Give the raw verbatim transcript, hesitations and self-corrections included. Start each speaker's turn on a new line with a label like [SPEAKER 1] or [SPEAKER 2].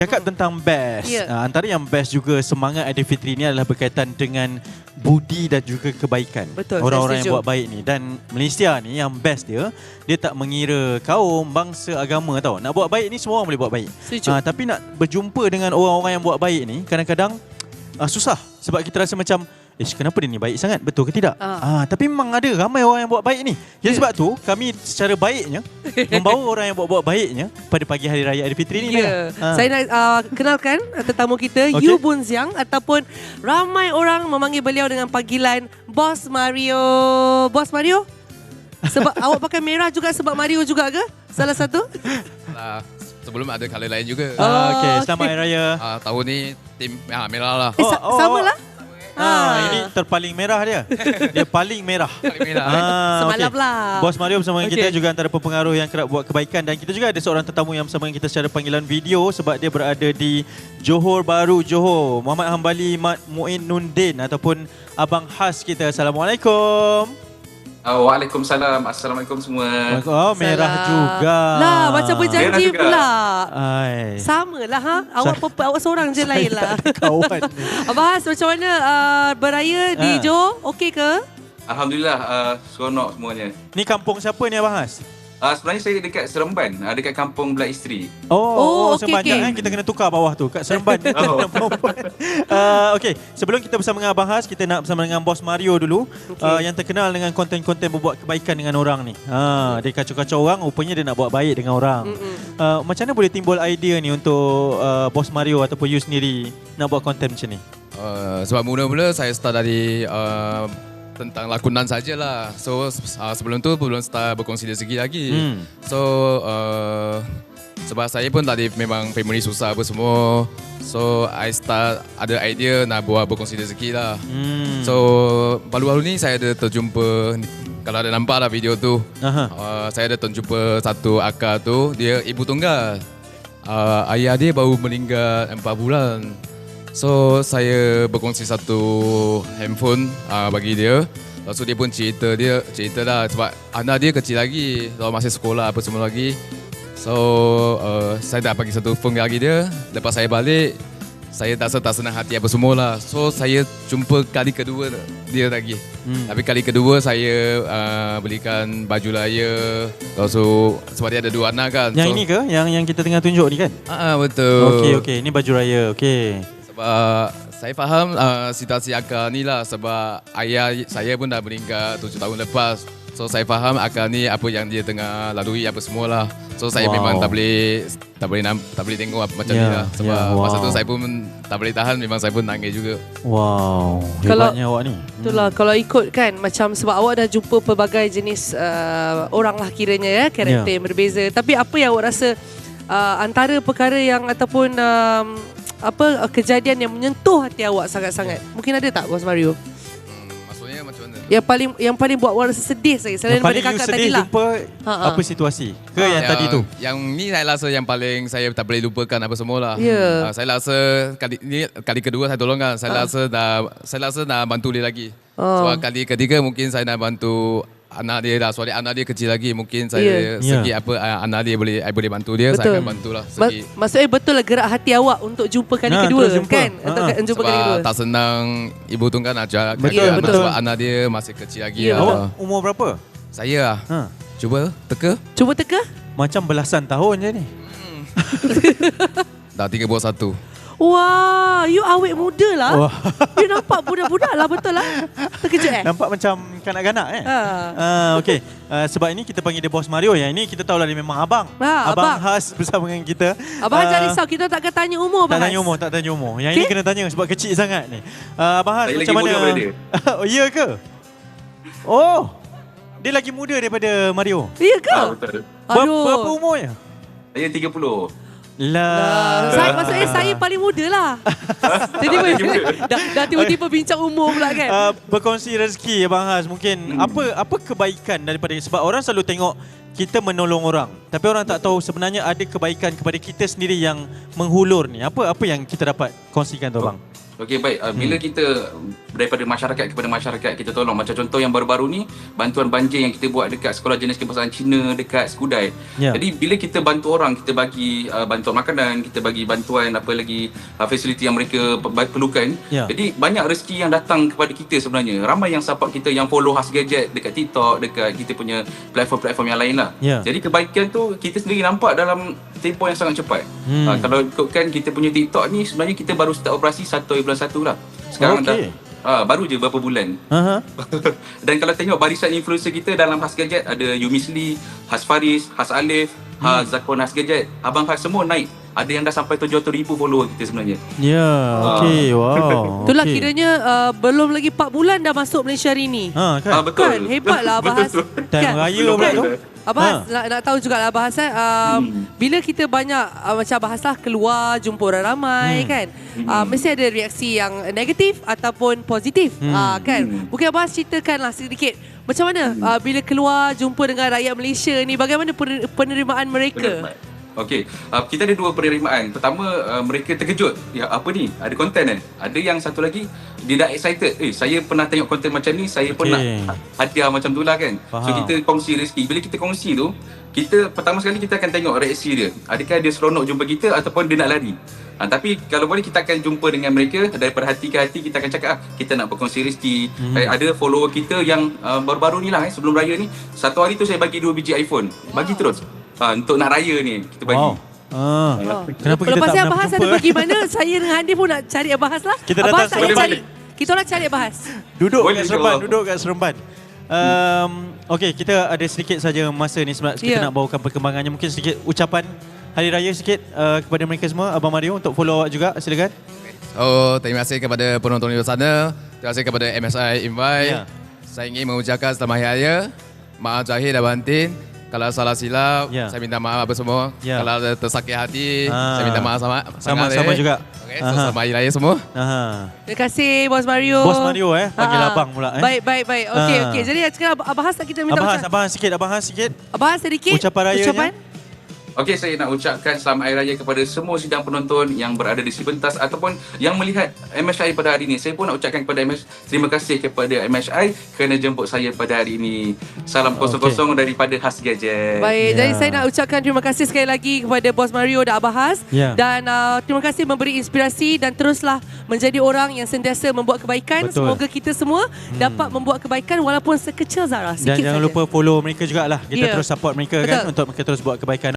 [SPEAKER 1] Cakap tentang best,
[SPEAKER 2] yeah.
[SPEAKER 1] uh, antara yang best juga semangat Aidilfitri ni adalah berkaitan dengan budi dan juga kebaikan.
[SPEAKER 2] Betul,
[SPEAKER 1] orang-orang
[SPEAKER 2] saya
[SPEAKER 1] yang buat baik ni. Dan Malaysia ni yang best dia, dia tak mengira kaum, bangsa, agama tau. Nak buat baik ni semua orang boleh buat baik. Uh, tapi nak berjumpa dengan orang-orang yang buat baik ni kadang-kadang uh, susah. Sebab kita rasa macam, eh kenapa dia ni baik sangat? Betul ke tidak?
[SPEAKER 2] Ah.
[SPEAKER 1] Ah, tapi memang ada ramai orang yang buat baik ni. Jadi sebab tu kami secara baiknya membawa orang yang buat-buat baiknya pada pagi hari raya Aidilfitri ni.
[SPEAKER 2] Ya.
[SPEAKER 1] Ah.
[SPEAKER 2] Saya nak uh, kenalkan tetamu kita,
[SPEAKER 1] Okay.
[SPEAKER 2] Yu Boon Siang, ataupun ramai orang memanggil beliau dengan panggilan Boss Mario. Boss Mario? Sebab awak pakai merah juga sebab Mario juga ke? Salah satu?
[SPEAKER 3] Lah, sebelum ada colour lain juga.
[SPEAKER 1] Ah,
[SPEAKER 2] Oh,
[SPEAKER 1] okay. Selamat Hari Raya.
[SPEAKER 3] Ah, tahun ni tim ah, merah lah.
[SPEAKER 2] Eh, sa-
[SPEAKER 1] Oh, oh,
[SPEAKER 2] sama
[SPEAKER 1] oh.
[SPEAKER 2] lah.
[SPEAKER 1] Ah, ini terpaling merah dia. Dia paling merah.
[SPEAKER 3] Paling merah.
[SPEAKER 1] Ah,
[SPEAKER 2] Semalam
[SPEAKER 1] okey.
[SPEAKER 2] lah.
[SPEAKER 1] Bos Mario bersama dengan kita
[SPEAKER 2] Okey.
[SPEAKER 1] juga antara pempengaruh yang kerap buat kebaikan. Dan kita juga ada seorang tetamu yang bersama dengan kita secara panggilan video sebab dia berada di Johor Bahru, Johor. Muhammad Hambali Mat Muinuddin ataupun Abang Has kita. Assalamualaikum.
[SPEAKER 4] Oh, Waalaikumsalam. Assalamualaikum semua.
[SPEAKER 1] Oh, merah
[SPEAKER 2] Salam.
[SPEAKER 1] juga.
[SPEAKER 2] Lah, macam berjanji
[SPEAKER 4] Merah juga.
[SPEAKER 2] pula.
[SPEAKER 1] Ai.
[SPEAKER 2] Sama lah ha. Awak purple, awak seorang je lain lah.
[SPEAKER 1] Kawan ni.
[SPEAKER 2] Abang Has, macam mana uh, beraya di
[SPEAKER 1] Ah.
[SPEAKER 2] Johor? Okey ke?
[SPEAKER 4] Alhamdulillah, uh, seronok semuanya.
[SPEAKER 1] Ni kampung siapa ni Abang Has?
[SPEAKER 4] Uh, sebenarnya saya dekat Seremban, uh, dekat kampung Belah Isteri.
[SPEAKER 1] Oh,
[SPEAKER 2] Oh,
[SPEAKER 1] oh,
[SPEAKER 2] okey,
[SPEAKER 1] sebanyak
[SPEAKER 2] okey.
[SPEAKER 1] kan kita kena tukar bawah tu kat Seremban.
[SPEAKER 4] Oh.
[SPEAKER 1] uh, Okey, sebelum kita bersama dengan Abang Has, kita nak bersama dengan Bos Mario dulu,
[SPEAKER 2] Okey.
[SPEAKER 1] uh, yang terkenal dengan konten-konten berbuat kebaikan dengan orang ni. Ha, dia kacau-kacau orang, rupanya dia nak buat baik dengan orang. Uh, macam mana boleh timbul idea ni untuk uh, Bos Mario ataupun you sendiri nak buat konten macam ni?
[SPEAKER 3] Uh, sebab mula-mula saya start dari uh, tentang lakonan sajalah. So uh, sebelum tu belum start berkongsi rezeki lagi.
[SPEAKER 1] Hmm.
[SPEAKER 3] So uh, sebab saya pun tadi memang family susah apa semua. So I start ada idea nak buat berkongsi rezeki lah.
[SPEAKER 1] Hmm.
[SPEAKER 3] So baru-baru ni saya ada terjumpa, kalau ada nampak lah video tu,
[SPEAKER 1] Aha.
[SPEAKER 3] uh, saya ada terjumpa satu akak tu, dia ibu tunggal. Uh, ayah dia baru meninggal empat bulan. So saya berkongsi satu handphone uh, bagi dia. Lepas tu dia pun cerita dia cerita lah sebab anak dia kecil lagi, kalau masih sekolah apa semua lagi. So uh, saya dah bagi satu phone lagi dia. Lepas saya balik, saya tak tak senang hati apa semua lah. So saya jumpa kali kedua dia lagi.
[SPEAKER 1] Hmm.
[SPEAKER 3] Tapi kali kedua saya uh, belikan baju raya. Lepas tu sebab dia ada dua anak kan.
[SPEAKER 1] Yang
[SPEAKER 3] so,
[SPEAKER 1] ini ke? Yang yang kita tengah tunjuk ni kan?
[SPEAKER 3] Ah, betul.
[SPEAKER 1] Okey, okey. Ini baju raya. Okey.
[SPEAKER 3] Sebab saya faham uh, situasi akak ni lah sebab ayah saya pun dah meninggal tujuh tahun lepas. So saya faham akak ni apa yang dia tengah lalui apa semualah. So saya
[SPEAKER 1] Wow.
[SPEAKER 3] memang tak boleh tak boleh nam, tak boleh tengok apa macam
[SPEAKER 1] Ya,
[SPEAKER 3] ni lah. Sebab
[SPEAKER 1] ya, wow.
[SPEAKER 3] masa tu saya pun tak boleh tahan, memang saya pun nangis juga.
[SPEAKER 1] Wow,
[SPEAKER 2] Kalau-
[SPEAKER 1] hebatnya awak ni.
[SPEAKER 2] Itulah kalau ikut kan macam sebab awak dah jumpa pelbagai jenis uh, orang lah kiranya ya, karakter
[SPEAKER 1] Ya.
[SPEAKER 2] yang berbeza. Tapi apa yang awak rasa uh, antara perkara yang ataupun um, apa uh, kejadian yang menyentuh hati awak sangat-sangat? Mungkin ada tak Bos Mario?
[SPEAKER 3] Hmm, maksudnya macam mana?
[SPEAKER 2] Yang paling yang paling buat awak rasa sedih saya selain
[SPEAKER 1] Yang paling
[SPEAKER 2] daripada
[SPEAKER 1] you
[SPEAKER 2] kakak
[SPEAKER 1] sedih
[SPEAKER 2] tadi lah.
[SPEAKER 1] jumpa
[SPEAKER 2] Ha, ha.
[SPEAKER 1] apa situasi? Ke yang tadi tu?
[SPEAKER 3] Yang ni saya rasa yang paling saya tak boleh lupakan apa semualah.
[SPEAKER 2] Ya.
[SPEAKER 3] Uh, saya rasa kali ni kali kedua saya tolong kan. Saya
[SPEAKER 2] Ah.
[SPEAKER 3] rasa dah saya rasa nak bantu dia lagi.
[SPEAKER 2] Oh.
[SPEAKER 3] Sebab kali ketiga mungkin saya nak bantu anak dia dah. Soalnya anak dia kecil lagi, mungkin saya
[SPEAKER 1] Ya.
[SPEAKER 3] segi apa uh, anak dia boleh I boleh bantu dia,
[SPEAKER 2] Betul.
[SPEAKER 3] saya akan bantulah
[SPEAKER 2] Ma-
[SPEAKER 3] segi.
[SPEAKER 2] maksudnya betul lah gerak hati awak untuk jumpa kali
[SPEAKER 1] Nah,
[SPEAKER 2] kedua
[SPEAKER 1] terus jumpa.
[SPEAKER 2] kan?
[SPEAKER 1] Ha,
[SPEAKER 2] Untuk
[SPEAKER 1] ha.
[SPEAKER 2] jumpa kali kedua.
[SPEAKER 3] Sebab tak senang ibu tunggal nak jaga
[SPEAKER 1] Betul,
[SPEAKER 3] anak
[SPEAKER 1] betul.
[SPEAKER 3] sebab anak dia masih kecil lagi.
[SPEAKER 2] Ya,
[SPEAKER 3] lah.
[SPEAKER 1] Awak umur berapa?
[SPEAKER 3] Saya lah.
[SPEAKER 1] Ha.
[SPEAKER 3] Cuba teka.
[SPEAKER 2] Cuba teka.
[SPEAKER 1] Macam belasan tahun je ni.
[SPEAKER 3] Dah tiga puluh satu.
[SPEAKER 2] Wah, you awet muda lah.
[SPEAKER 1] Wah.
[SPEAKER 2] You nampak budak-budak lah, betul lah. Terkejut eh?
[SPEAKER 1] Nampak macam kanak-kanak eh?
[SPEAKER 2] Ha.
[SPEAKER 1] Ah, okey. Uh, sebab ini kita panggil dia Bos Mario. Yang ini kita tahu lah dia memang abang.
[SPEAKER 2] Ha,
[SPEAKER 1] abang
[SPEAKER 2] abang.
[SPEAKER 1] Has bersama dengan kita.
[SPEAKER 2] Abang
[SPEAKER 1] Ah,
[SPEAKER 2] jangan risau, kita tak akan tanya umur
[SPEAKER 1] Tak
[SPEAKER 2] Abang
[SPEAKER 1] tanya
[SPEAKER 2] Has.
[SPEAKER 1] umur, tak tanya umur. Yang
[SPEAKER 2] Okey.
[SPEAKER 1] ini kena tanya sebab kecil sangat ni. Uh, abang Has
[SPEAKER 4] Saya
[SPEAKER 1] macam
[SPEAKER 4] lagi
[SPEAKER 1] mana?
[SPEAKER 4] muda daripada dia.
[SPEAKER 1] Oh, ya ke? Oh. Dia lagi muda daripada Mario.
[SPEAKER 2] Ya ke?
[SPEAKER 4] Ah, betul.
[SPEAKER 1] Ber-
[SPEAKER 2] Aduh.
[SPEAKER 1] Berapa umurnya?
[SPEAKER 4] Saya tiga puluh.
[SPEAKER 1] Lah.
[SPEAKER 2] Saya, maksudnya saya paling muda lah. Jadi dah, dah tiba-tiba bincang umur pula kan?
[SPEAKER 1] Uh, berkongsi rezeki Abang Has mungkin
[SPEAKER 4] Hmm.
[SPEAKER 1] apa apa kebaikan daripada sebab orang selalu tengok kita menolong orang tapi orang tak tahu sebenarnya ada kebaikan kepada kita sendiri yang menghulur ni. Apa apa yang kita dapat kongsikan tu abang?
[SPEAKER 4] Okey, baik. Uh, bila
[SPEAKER 1] Hmm.
[SPEAKER 4] kita daripada masyarakat kepada masyarakat kita tolong, macam contoh yang baru-baru ni bantuan banjir yang kita buat dekat Sekolah Jenis Kebangsaan Cina dekat Skudai.
[SPEAKER 1] Ya.
[SPEAKER 4] Jadi bila kita bantu orang, kita bagi uh, bantuan makanan, kita bagi bantuan apa lagi uh, fasiliti yang mereka pe- perlukan.
[SPEAKER 1] Ya.
[SPEAKER 4] Jadi banyak rezeki yang datang kepada kita sebenarnya. Ramai yang support kita, yang follow Khas Gadget dekat TikTok, dekat kita punya platform-platform yang lain lah.
[SPEAKER 1] Ya.
[SPEAKER 4] Jadi kebaikan tu kita sendiri nampak dalam tempoh yang sangat cepat.
[SPEAKER 1] Hmm.
[SPEAKER 4] Uh, kalau ikutkan kita punya TikTok ni, sebenarnya kita baru start operasi satu bulan satu lah. Sekarang
[SPEAKER 1] Okey.
[SPEAKER 4] dah uh, baru je berapa bulan.
[SPEAKER 1] Aha.
[SPEAKER 4] Dan kalau tengok barisan influencer kita dalam Khas Gadget, ada Yumisli, Khas Faris, Khas Alif, hmm. Khas Zakon Khas Gadget, Abang Khas semua naik. Ada yang dah sampai tujuh ratus ribu follower kita sebenarnya.
[SPEAKER 1] Ya, okey. Wow.
[SPEAKER 2] Itulah
[SPEAKER 1] okey.
[SPEAKER 2] kiranya uh, belum lagi empat bulan dah masuk Malaysia hari ni.
[SPEAKER 1] Ha, kan?
[SPEAKER 4] Ah, betul.
[SPEAKER 2] Kan, hebatlah Abah Has.
[SPEAKER 4] Betul.
[SPEAKER 1] Time raya
[SPEAKER 4] Belum
[SPEAKER 1] pula
[SPEAKER 4] ada.
[SPEAKER 1] tu.
[SPEAKER 2] Abah Has,
[SPEAKER 1] Ha.
[SPEAKER 2] nak, nak tahu juga lah Abah Has, eh, um,
[SPEAKER 4] Hmm.
[SPEAKER 2] bila kita banyak uh, macam Abah Has lah keluar jumpa orang ramai
[SPEAKER 1] Hmm.
[SPEAKER 2] kan, uh, mesti ada reaksi yang negatif ataupun positif.
[SPEAKER 1] Hmm.
[SPEAKER 2] Uh, kan?
[SPEAKER 4] Hmm.
[SPEAKER 2] Mungkin Abah Has ceritakanlah sedikit macam mana uh, bila keluar jumpa dengan rakyat Malaysia ni, bagaimana pener- penerimaan mereka?
[SPEAKER 4] Benar. Okey, uh, kita ada dua penerimaan. Pertama, uh, mereka terkejut. Ya, apa ni? Ada konten eh? Ada yang satu lagi, dia dah excited. Eh, saya pernah tengok konten macam ni, saya pun
[SPEAKER 1] Okey.
[SPEAKER 4] nak hadiah macam tu lah kan.
[SPEAKER 1] Faham.
[SPEAKER 4] So, kita kongsi rezeki. Bila kita kongsi tu, kita pertama sekali kita akan tengok reaksi dia. Adakah dia seronok jumpa kita ataupun dia nak lari. Ha, tapi kalau boleh kita akan jumpa dengan mereka daripada hati ke hati, kita akan cakap ah, kita nak berkongsi rezeki.
[SPEAKER 1] Hmm.
[SPEAKER 4] Eh, ada follower kita yang uh, baru-baru ni lah eh, sebelum raya ni, satu hari tu saya bagi dua biji iPhone. Bagi terus. Ha, untuk nak raya ni kita bagi.
[SPEAKER 1] Wow. Ah.
[SPEAKER 2] Oh.
[SPEAKER 1] Kenapa kita
[SPEAKER 2] Lepas
[SPEAKER 1] tak
[SPEAKER 2] ni
[SPEAKER 1] pernah
[SPEAKER 2] Abah Has
[SPEAKER 1] berjumpa?
[SPEAKER 2] ada pergi mana, saya dengan Handi pun nak cari Abah Has lah.
[SPEAKER 1] Kita
[SPEAKER 2] Abah
[SPEAKER 1] datang
[SPEAKER 2] Has tak payah
[SPEAKER 4] Seremban.
[SPEAKER 2] cari. Kita orang cari Abah Has.
[SPEAKER 1] Duduk
[SPEAKER 4] Boleh
[SPEAKER 1] kat
[SPEAKER 4] je,
[SPEAKER 1] Seremban,
[SPEAKER 4] Allah.
[SPEAKER 1] duduk kat Seremban. Um, Okey, kita ada sedikit saja masa ni sebab kita
[SPEAKER 2] Ya.
[SPEAKER 1] nak bawakan perkembangannya. Mungkin sedikit ucapan Hari Raya sikit uh, kepada mereka semua. Abang Mario untuk follow awak juga, silakan.
[SPEAKER 3] Oh, terima kasih kepada penonton di luar sana. Terima kasih kepada M S I Invite.
[SPEAKER 1] Ya.
[SPEAKER 3] Saya ingin mengucapkan selamat Hari Raya. Maaf zahir dan batin. Kalau salah silap,
[SPEAKER 1] Ya.
[SPEAKER 3] saya minta maaf apa semua.
[SPEAKER 1] Ya.
[SPEAKER 3] Kalau ada tersakit hati,
[SPEAKER 1] Ah.
[SPEAKER 3] saya minta maaf sama
[SPEAKER 1] Sama-sama juga.
[SPEAKER 3] Okey, so
[SPEAKER 1] Aha.
[SPEAKER 3] selamat Hari Raya semua.
[SPEAKER 1] Aha.
[SPEAKER 2] Terima kasih Bos Mario.
[SPEAKER 1] Bos Mario eh, panggil
[SPEAKER 2] Ha, ha.
[SPEAKER 1] abang pula eh.
[SPEAKER 2] Baik, baik, baik. Okey,
[SPEAKER 1] Ha.
[SPEAKER 2] okey. Jadi sekarang Ab- Abah Has kita minta
[SPEAKER 1] Abang Has,
[SPEAKER 2] ucap-
[SPEAKER 1] Abang Has sikit, Abang Has sikit.
[SPEAKER 2] Abah Has sedikit.
[SPEAKER 1] Ucapan rayanya.
[SPEAKER 2] Ucapan.
[SPEAKER 4] Okey, saya nak ucapkan selamat Hari Raya kepada semua sidang penonton yang berada di sepentas ataupun yang melihat M S I pada hari ini. Saya pun nak ucapkan kepada M S I, terima kasih kepada M S I kerana jemput saya pada hari ini. Salam kosong-kosong daripada Khas Gadget.
[SPEAKER 2] Baik,
[SPEAKER 1] Ya.
[SPEAKER 2] jadi saya nak ucapkan terima kasih sekali lagi kepada Bos Mario dan Abah Has.
[SPEAKER 1] Ya.
[SPEAKER 2] Dan uh, terima kasih memberi inspirasi dan teruslah menjadi orang yang sentiasa membuat kebaikan.
[SPEAKER 1] Betul.
[SPEAKER 2] Semoga kita semua hmm. dapat membuat kebaikan walaupun sekecil zarah.
[SPEAKER 1] Dan
[SPEAKER 2] Sikit
[SPEAKER 1] jangan
[SPEAKER 2] saja.
[SPEAKER 1] lupa follow mereka jugalah. Kita
[SPEAKER 2] Ya.
[SPEAKER 1] terus support mereka
[SPEAKER 2] Betul.
[SPEAKER 1] kan untuk mereka terus buat kebaikan.